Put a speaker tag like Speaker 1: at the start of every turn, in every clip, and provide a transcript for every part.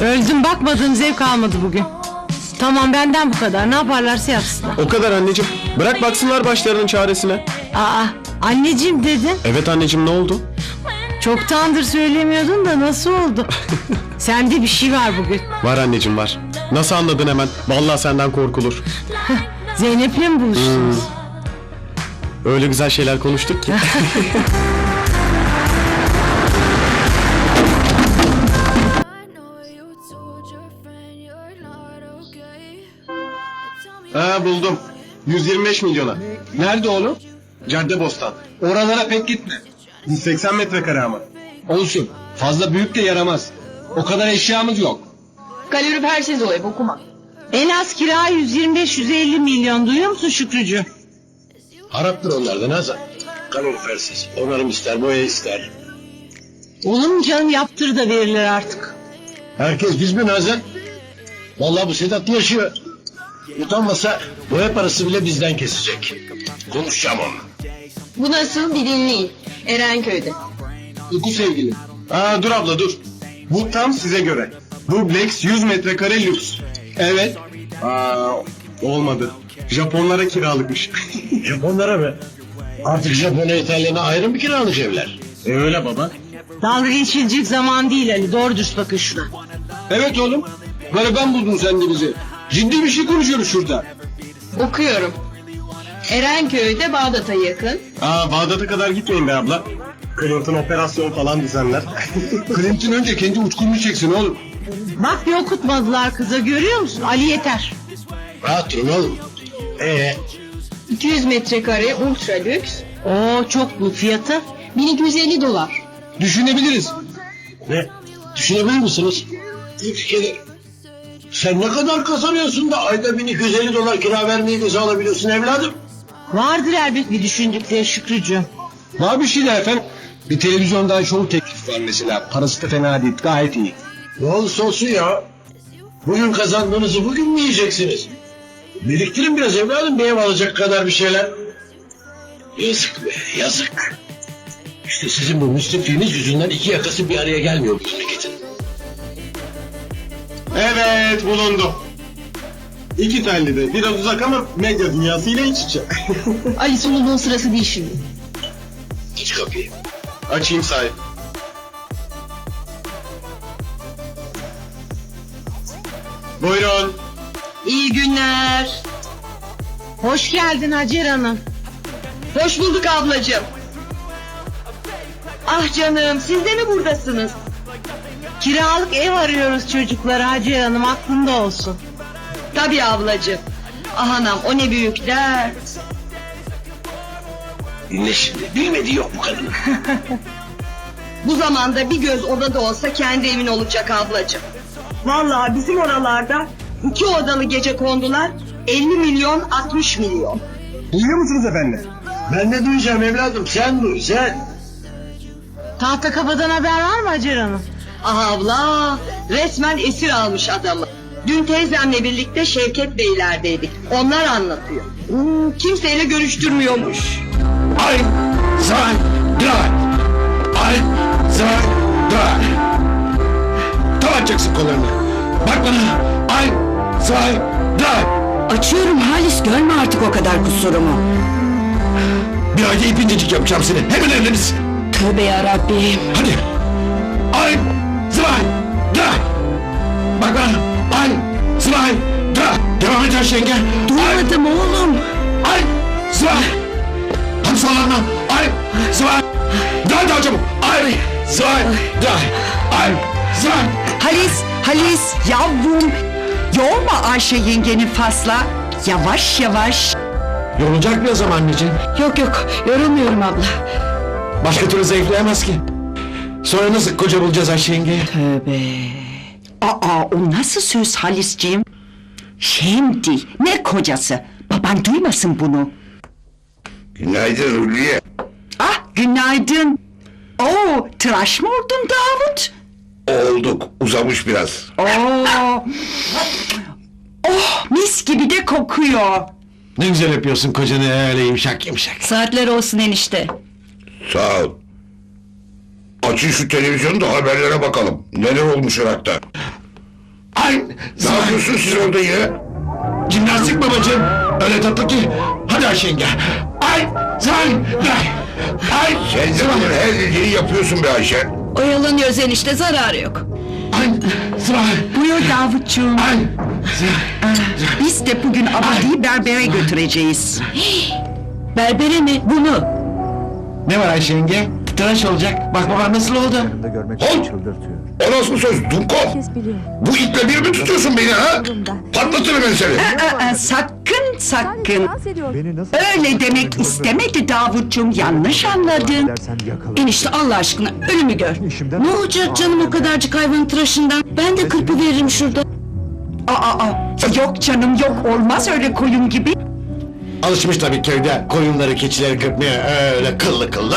Speaker 1: Öldüm, bakmadığım zevk almadı bugün. Tamam, benden bu kadar, ne yaparlarsa yapsınlar.
Speaker 2: O kadar anneciğim. Bırak baksınlar başlarının çaresine.
Speaker 1: Aa, anneciğim dedin.
Speaker 2: Evet anneciğim, ne oldu?
Speaker 1: Çoktandır söylemiyordun da nasıl oldu? Sende bir şey var bugün.
Speaker 2: Var anneciğim, var. Nasıl anladın hemen? Vallahi senden korkulur.
Speaker 1: Zeynep'le mi buluştunuz?
Speaker 2: Öyle güzel şeyler konuştuk ki. Ha, buldum. 125 milyona.
Speaker 3: Nerede oğlum?
Speaker 2: Caddebostan.
Speaker 3: Oralara pek gitme.
Speaker 2: 180 metrekare ama.
Speaker 3: Olsun. Fazla büyük de yaramaz. O kadar eşyamız yok.
Speaker 4: Kalorifersiz o ev, okuma.
Speaker 1: En az kira 125-150 milyon, duyuyor musun Şükrücü?
Speaker 5: Haraptır onlardan Hazan. Kalorifersiz. Onarım ister, boya ister.
Speaker 1: Olur mu canım, yaptır da verirler artık.
Speaker 5: Herkes biz mi Nazan? Vallahi bu Sedat yaşıyor. Utanmasa boya parası bile bizden kesecek. Konuşacağım onunla.
Speaker 4: Bu nasıl, bir dinleyin. Erenköy'de.
Speaker 3: Uyku sevgili.
Speaker 2: Aa, dur abla dur. Bu tam size göre. Dubleks 100 metrekare lüks.
Speaker 3: Evet.
Speaker 2: Aa, olmadı. Japonlara kiralıkmış.
Speaker 5: Japonlara mı? Artık Japonya İtalyan'a ayrı mı kiralık evler?
Speaker 2: Öyle baba.
Speaker 1: Dalga geçilecek zaman değil Ali, doğru dürüst bakın şuna.
Speaker 3: Evet oğlum. Gariban buldun sen de bizi. Ciddi bir şey konuşuyoruz şurada.
Speaker 4: Okuyorum. Erenköy'de Bağdat'a yakın.
Speaker 2: Aa, Bağdat'a kadar gitmeyin be abla. Clinton operasyon falan düzenler.
Speaker 3: Clinton önce kendi uçkurunu çeksin oğlum.
Speaker 1: Bak, bir okutmadılar kıza, görüyor musun? Ali yeter.
Speaker 5: Rahat durun oğlum.
Speaker 4: 200 metrekare ultra lüks.
Speaker 1: Oo, çok bu fiyatı.
Speaker 4: 1250 dolar.
Speaker 3: Düşünebiliriz.
Speaker 5: Ne? Düşünebilir misiniz? İyi fikir. Sen ne kadar kazanıyorsun da ayda 1250 dolar kira vermeyi göze alabiliyorsun evladım?
Speaker 1: Vardır elbet bir düşündükleri Şükrücü.
Speaker 3: Var bir şey de efendim. Bir televizyondan show teklif var mesela. Parası da fena değil, gayet iyi.
Speaker 5: Ne olursa olsun ya. Bugün kazandığınızı bugün mü yiyeceksiniz? Biriktirin biraz evladım, bir ev alacak kadar bir şeyler. Yazık be, yazık. İşte sizin bu müsrifliğiniz yüzünden iki yakası bir araya gelmiyor bu memleketin.
Speaker 2: Evet, bulundu. İki telli de. Biraz uzak ama medya dünyasıyla iç içe.
Speaker 4: Ali, sunuluğun sırası değil şimdi.
Speaker 5: Aç kapıyı.
Speaker 2: Açayım sahip. Buyurun.
Speaker 1: İyi günler. Hoş geldin Hacer Hanım.
Speaker 4: Hoş bulduk ablacığım. Ah canım, siz de mi buradasınız?
Speaker 1: Kiralık ev arıyoruz çocuklara Hacer Hanım, aklında olsun.
Speaker 4: Tabii ablacığım. Ah anam, o ne büyük dert.
Speaker 5: Dinle şimdi, bilmediği yok bu kadının.
Speaker 4: Bu zamanda bir göz odada olsa kendi evin olacak ablacığım. Vallahi bizim oralarda 2 odalı gece kondular 50 milyon 60 milyon.
Speaker 3: Duyuyor musunuz efendim?
Speaker 5: Ben ne duyacağım evladım, sen duy, sen.
Speaker 1: Tahtakapı'dan haber var mı Hacer Hanım?
Speaker 4: Ah abla, resmen esir almış adamı. Dün teyzemle birlikte Şevket Beyler'deydik. Onlar anlatıyor. Kimseyle görüştürmüyormuş.
Speaker 5: Ein, zwei, drei. Ein, zwei, drei. Tam açacaksın kollarını. Bak bana. Ein, zwei, drei.
Speaker 6: Açıyorum Halis, görme artık o kadar kusurumu.
Speaker 5: Bir ayda ipincecik yapacağım seni. Hemen evleniriz.
Speaker 6: Tövbe yarabbim.
Speaker 5: Hadi. Ein, zwei, drei. Bak bana. Ein, zwei, drei. Devam et Ayşe yenge.
Speaker 6: Duymadım oğlum.
Speaker 5: Ein, zwei. Hadi sallanma. Ein, zwei. Daha çabuk. Ein, zwei, drei. Ein, zwei.
Speaker 6: Halis yavrum. Yorma Ayşe yengenin fazla. Yavaş yavaş.
Speaker 5: Yorulacak mı o zaman anneciğim?
Speaker 6: Yok yorulmuyorum abla.
Speaker 5: Başka türlü zayıflayamaz ki. Sonra nasıl koca bulacağız Ayşe yenge?
Speaker 6: Tövbe. Aa, o nasıl söz Halisciğim? Şimdi ne kocası? Baban duymasın bunu.
Speaker 7: Günaydın Hülya.
Speaker 6: Ah, günaydın. Oo, tıraş mı oldun Davut?
Speaker 7: Olduk, uzamış biraz.
Speaker 6: Oo. Oh, mis gibi de kokuyor.
Speaker 5: Ne güzel yapıyorsun kocanı öyle yumuşak yumuşak.
Speaker 6: Saatler olsun enişte.
Speaker 7: Sağ ol. Açın şu televizyonu da haberlere bakalım. Neler olmuş Irak'ta.
Speaker 3: Ay!
Speaker 7: Ne yapıyorsun siz orada ya?
Speaker 3: Jimnastik babacığım. Öyle tatlı ki. Hadi Ayşe yenge. Ay! Ay! Ay!
Speaker 7: Sen de bunun her dediğini yapıyorsun be Ayşe.
Speaker 4: Oyalanıyoruz enişte, zararı yok.
Speaker 3: Ay!
Speaker 6: Buyur Davutcuğum.
Speaker 3: Ay!
Speaker 6: Biz de bugün Abadi'yi berbere götüreceğiz.
Speaker 4: Berbere mi?
Speaker 6: Bunu.
Speaker 3: Ne var Ayşe yenge? Tıraş olacak. Bak baban nasıl oldu?
Speaker 7: Halt! O nasıl söz Dumko? Bu iple bir mi tutuyorsun beni ha? Patlatırım ben seni.
Speaker 6: Sakın. Öyle demek istemedi Davutcuğum. Yanlış anladın.
Speaker 4: Enişte Allah aşkına ölümü gör. Ne olacak canım o kadarcık hayvanın tıraşından? Ben de kırpı veririm şurada.
Speaker 6: Yok canım yok. Olmaz öyle koyun gibi.
Speaker 3: Alışmış tabii köyde koyunları keçileri kırpmaya öyle kıllı kıllı.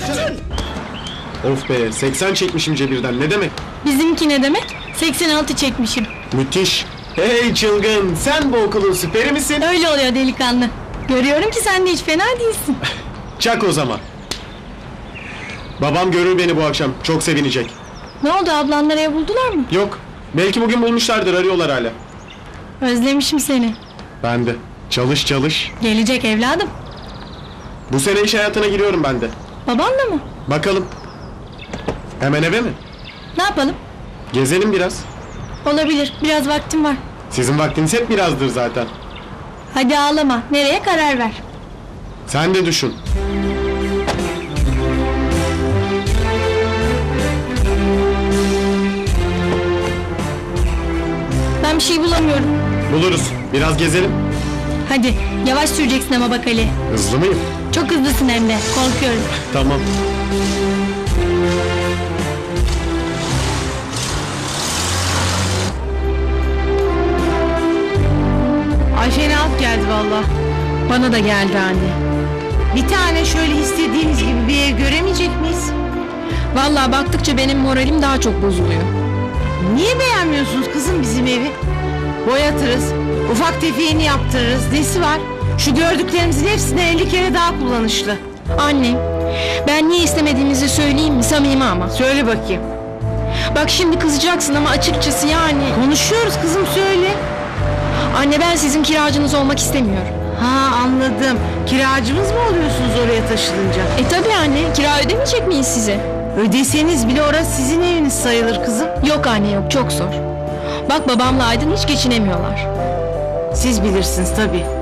Speaker 8: Of be 80 çekmişim cebirden ne demek?
Speaker 1: Bizimki ne demek? 86 çekmişim.
Speaker 8: Müthiş. Hey çılgın sen bu okulun süperi misin?
Speaker 1: Öyle oluyor delikanlı. Görüyorum ki sen de hiç fena değilsin.
Speaker 8: Çak o zaman. Babam görür beni bu akşam çok sevinecek.
Speaker 1: Ne oldu, ablanları ev buldular mı?
Speaker 8: Yok belki bugün bulmuşlardır arıyorlar hala.
Speaker 1: Özlemişim seni.
Speaker 8: Ben de. Çalış çalış.
Speaker 1: Gelecek evladım.
Speaker 8: Bu sene iş hayatına giriyorum ben de.
Speaker 1: Babanla mı?
Speaker 8: Bakalım. Hemen eve mi?
Speaker 1: Ne yapalım?
Speaker 8: Gezelim biraz.
Speaker 1: Olabilir, biraz vaktim var.
Speaker 8: Sizin vaktiniz hep birazdır zaten.
Speaker 1: Hadi ağlama, nereye karar ver.
Speaker 8: Sen de düşün.
Speaker 1: Ben bir şey bulamıyorum.
Speaker 8: Buluruz. Biraz gezelim.
Speaker 1: Hadi, yavaş süreceksin ama bak Ali.
Speaker 8: Hızlı mıyım?
Speaker 1: Çok hızlısın hem de, korkuyorum.
Speaker 8: Tamam.
Speaker 1: Ay fenalık geldi valla. Bana da geldi anne. Bir tane şöyle istediğimiz gibi bir ev göremeyecek miyiz? Valla baktıkça benim moralim daha çok bozuluyor. Niye beğenmiyorsunuz kızım bizim evi? Boyatırız, ufak tefeğini yaptırırız, nesi var? Şu gördüklerimizin hepsinden 50 kere daha kullanışlı. Anne, ben niye istemediğimizi söyleyeyim mi, samimi ama? Söyle bakayım. Bak şimdi kızacaksın ama açıkçası yani. Konuşuyoruz kızım, söyle. Anne ben sizin kiracınız olmak istemiyorum. Ha anladım. Kiracımız mı oluyorsunuz oraya taşınınca? Tabii anne, kira ödemeyecek miyiz size? Ödeseniz bile orası sizin eviniz sayılır kızım. Yok anne yok, çok zor. Bak babamla Aydın hiç geçinemiyorlar. Siz bilirsiniz tabii.